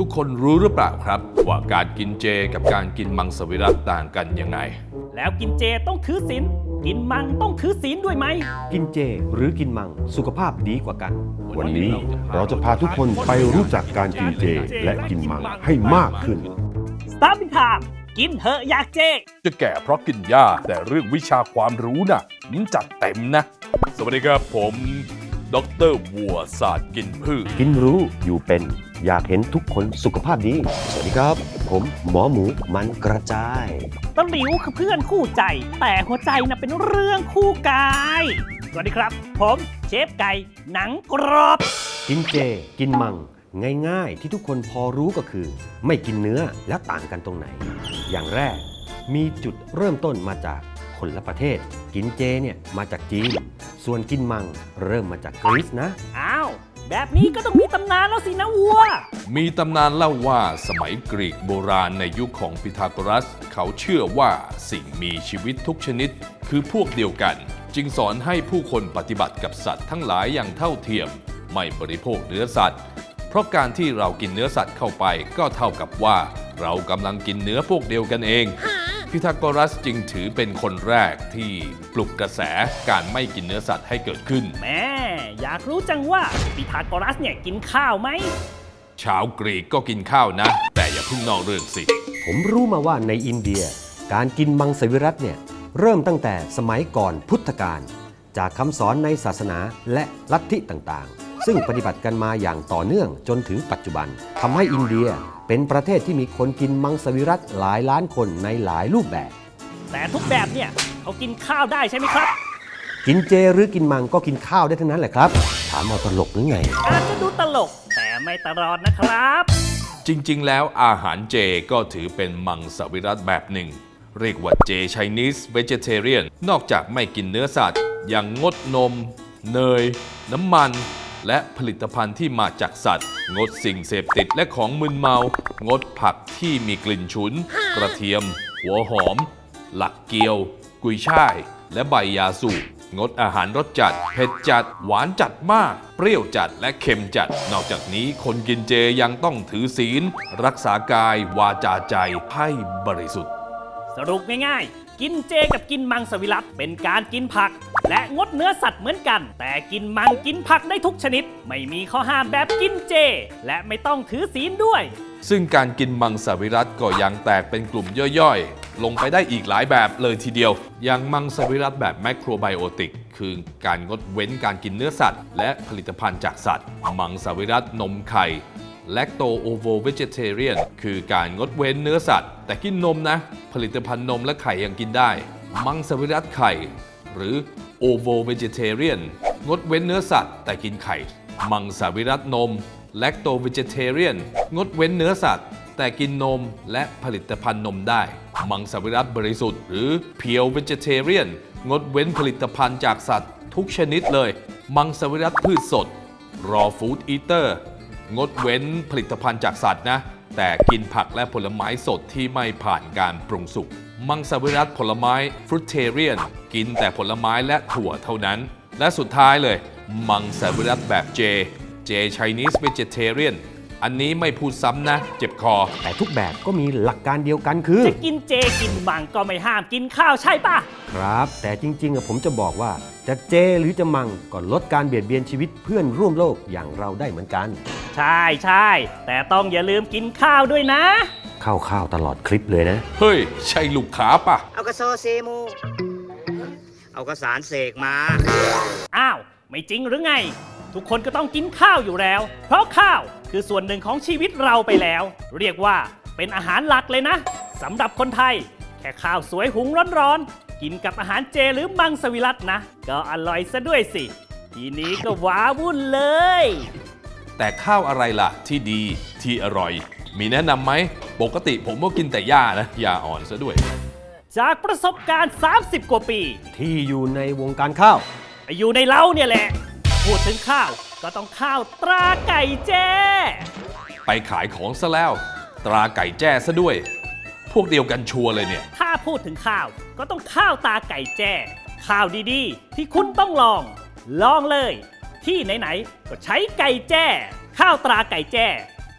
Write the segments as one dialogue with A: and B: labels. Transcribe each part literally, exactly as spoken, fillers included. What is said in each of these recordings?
A: ทุกคนรู้หรือเปล่าครับว่าการกินเจกับการกินมังสวิรัติต่างกันยังไง
B: แล้วกินเจต้องถือศีลกินมังต้องถือศีลด้วยไหม
C: กินเจหรือกินมังสุขภาพดีกว่ากัน
D: วันนี้เราจะพาทุกคนไปรู้จักการกินเจและกินมังให้มากขึ้น
B: Starting Time กินเหอะอยากเจ
A: จะแก่เพราะกินหญ้าแต่เรื่องวิชาความรู้น่ะมันจัดเต็มนะสวัสดีครับผมดร.วัวศาสตร์กินพืช
C: กินรู้อยู่เป็นอยากเห็นทุกคนสุขภาพดีสวัสดีครับผมหมอหมูมันกระจาย
B: ตะหลิวคือเพื่อนคู่ใจแต่หัวใจน่ะเป็นเรื่องคู่กายสวัสดีครับผมเชฟไก่หนังกรอบ
C: กินเจกินมังง่ายๆที่ทุกคนพอรู้ก็คือไม่กินเนื้อแล้วต่างกันตรงไหนอย่างแรกมีจุดเริ่มต้นมาจากคนละประเทศกินเจเนี่ยมาจากจีนส่วนกินมังเริ่มมาจากกรีซนะ
B: อ้าวแบบนี้ก็ต้องมีตำนานแล้วสินะวัว
A: มีตำนานเล่าว่าสมัยกรีกโบราณในยุคของพีทาโกรัสเขาเชื่อว่าสิ่งมีชีวิตทุกชนิดคือพวกเดียวกันจึงสอนให้ผู้คนปฏิบัติกับสัตว์ทั้งหลายอย่างเท่าเทียมไม่บริโภคเนื้อสัตว์เพราะการที่เรากินเนื้อสัตว์เข้าไปก็เท่ากับว่าเรากำลังกินเนื้อพวกเดียวกันเองพีทาโกรัสจึงถือเป็นคนแรกที่ปลุกกระแสการไม่กินเนื้อสัตว์ให้เกิดขึ้น
B: แม่อยากรู้จังว่าพีทาโกรัสเนี่ยกินข้าวไหม
A: ชาวกรีกก็กินข้าวนะแต่อย่าเพิ่งนอกเรื่องสิ
C: ผมรู้มาว่าในอินเดียการกินมังสวิรัติเนี่ยเริ่มตั้งแต่สมัยก่อนพุทธกาลจากคำสอนในศาสนาและลัทธิต่างๆซึ่งปฏิบัติกันมาอย่างต่อเนื่องจนถึงปัจจุบันทำให้อินเดียเป็นประเทศที่มีคนกินมังสวิรัติหลายล้านคนในหลายรูปแบบ
B: แต่ทุกแบบเนี่ยเขากินข้าวได้ใช่ไหมครับ
C: กินเจหรือกินมังก็กินข้าวได้ทั้งนั้นแหละครับถามเอาตลกหรือไง
B: อาจจะดูตลกแต่ไม่ตลอดนะครับ
A: จริงๆแล้วอาหารเจก็ถือเป็นมังสวิรัติแบบหนึ่งเรียกว่าเจ Chinese Vegetarian นอกจากไม่กินเนื้อสัตว์ยังงดนมเนยน้ำมันและผลิตภัณฑ์ที่มาจากสัตว์งดสิ่งเสพติดและของมึนเมางดผักที่มีกลิ่นฉุนกระเทียมหัวหอมหลักเกี๊ยวกุยช่ายและใบยาสูบงดอาหารรสจัดเผ็ดจัดหวานจัดมากเปรี้ยวจัดและเค็มจัดนอกจากนี้คนกินเจยังต้องถือศีลรักษากายวาจาใจให้บริสุทธิ์
B: สรุปง่ายๆกินเจกับกินมังสวิรัติเป็นการกินผักและงดเนื้อสัตว์เหมือนกันแต่กินมังกินผักได้ทุกชนิดไม่มีข้อห้ามแบบกินเจและไม่ต้องถือศีลด้วย
A: ซึ่งการกินมังสวิรัติก็ยังแตกเป็นกลุ่มย่อยๆลงไปได้อีกหลายแบบเลยทีเดียวอย่างมังสวิรัติแบบแมคโครไบโอติกคือการงดเว้นการกินเนื้อสัตว์และผลิตภัณฑ์จากสัตว์มังสวิรัตินมไข่แลคโตโอโวเวจิเทเรียนคือการงดเว้นเนื้อสัตว์แต่กินนมนะผลิตภัณฑ์นมและไข่ยังกินได้มังสวิรัติไข่หรือโอโวเวจิเทเรียนงดเว้นเนื้อสัตว์แต่กินไข่มังสวิรัตินมแลคโตเวจิเทเรียนงดเว้นเนื้อสัตว์แต่กินนมและผลิตภัณฑ์นมได้มังสวิรัติบริสุทธิ์หรือเพียวเวจิเทเรียนงดเว้นผลิตภัณฑ์จากสัตว์ทุกชนิดเลยมังสวิรัติพืชสด raw food eaterงดเว้นผลิตภัณฑ์จากสัตว์นะแต่กินผักและผลไม้สดที่ไม่ผ่านการปรุงสุกมังสวิรัติผลไม้ฟรุตเทเรียนกินแต่ผลไม้และถั่วเท่านั้นและสุดท้ายเลยมังสวิรัติแบบเจ เจ Chinese Vegetarian อันนี้ไม่พูดซ้ำนะเจ็บคอ
C: แต่ทุกแบบก็มีหลักการเดียวกันคือ
B: จะกินเจกินมังก็ไม่ห้ามกินข้าวใช่ปะ
C: ครับแต่จริงๆผมจะบอกว่าจะเจหรือจะมังก็ลดการเบียดเบียนชีวิตเพื่อนร่วมโลกอย่างเราได้เหมือนกัน
B: ใช่ใช่แต่ต้องอย่าลืมกินข้าวด้วยนะ
C: ข้าวข้าวตลอดคลิปเลยนะ
A: เฮ้ยใช่ลูกค้าปะ
E: เอากระโซเซมูเอากระสารเสกมา
B: อ้าวไม่จริงหรือไงทุกคนก็ต้องกินข้าวอยู่แล้วเพราะข้าวคือส่วนหนึ่งของชีวิตเราไปแล้วเรียกว่าเป็นอาหารหลักเลยนะสำหรับคนไทยแค่ข้าวสวยหุงร้อนๆกินกับอาหารเจหรือมังสวิรัตินะก็อร่อยซะด้วยสิทีนี้ก็ว้าวุ่นเลย
A: แต่ข้าวอะไรล่ะที่ดีที่อร่อยมีแนะนำไหมปกติผมก็กินแต่หญ้านะหญ้าอ่อนซะด้วย
B: จากประสบการณ์สามสิบกว่าปี
C: ที่อยู่ในวงการข้าว
B: อยู่ในเล้าเนี่ยแหละพูดถึงข้าวก็ต้องข้าวตราไก่แจ้
A: ไปขายของซะแล้วตราไก่แจ้ซะด้วยพวกเดียวกันชัวร์เลยเนี่ย
B: ถ้าพูดถึงข้าวก็ต้องข้าวตาไก่แจ้ข้าวดีๆที่คุณต้องลองลองเลยที่ไหนๆก็ใช้ไก่แจ้ข้าวตราไก่แจ้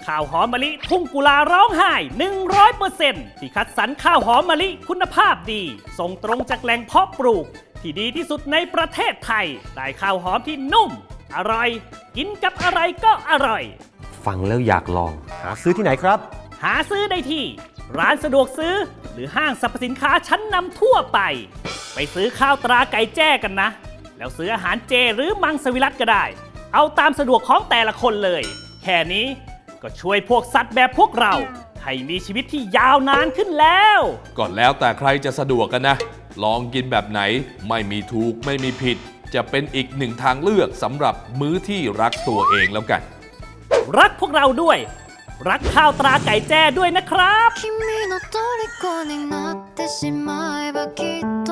B: ข้าวหอมมะลิทุ่งกุลาร้องไห้ หนึ่งร้อยเปอร์เซ็นต์ ที่คัดสรรข้าวหอมมะลิคุณภาพดี ส่งตรงจากแหล่งเพาะปลูก ที่ดีที่สุดในประเทศไทย ได้ข้าวหอมที่นุ่ม อร่อย กินกับอะไรก็อร่อย
C: ฟังแล้วอยากลอง หาซื้อที่ไหนครับ
B: หาซื้อได้ที่ ร้านสะดวกซื้อ หรือห้างสรรพสินค้าชั้นนำทั่วไป ไปซื้อข้าวตราไก่แจ้กันนะ แล้วซื้ออาหารเจหรือมังสวิรัติก็ได้ เอาตามสะดวกของแต่ละคนเลย แค่นี้ก็ช่วยพวกสัตว์แบบพวกเรา ให้มีชีวิตที่ยาวนานขึ้นแล้ว
A: ก็แล้วแต่ใครจะสะดวกกันนะ ลองกินแบบไหนไม่มีถูกไม่มีผิด จะเป็นอีกหนึ่งทางเลือกสำหรับมื้อที่รักตัวเองแล้วกัน
B: รักพวกเราด้วย รักข้าวตราไก่แจ้ด้วยนะครับ
F: 君の虜になってしまえばきっと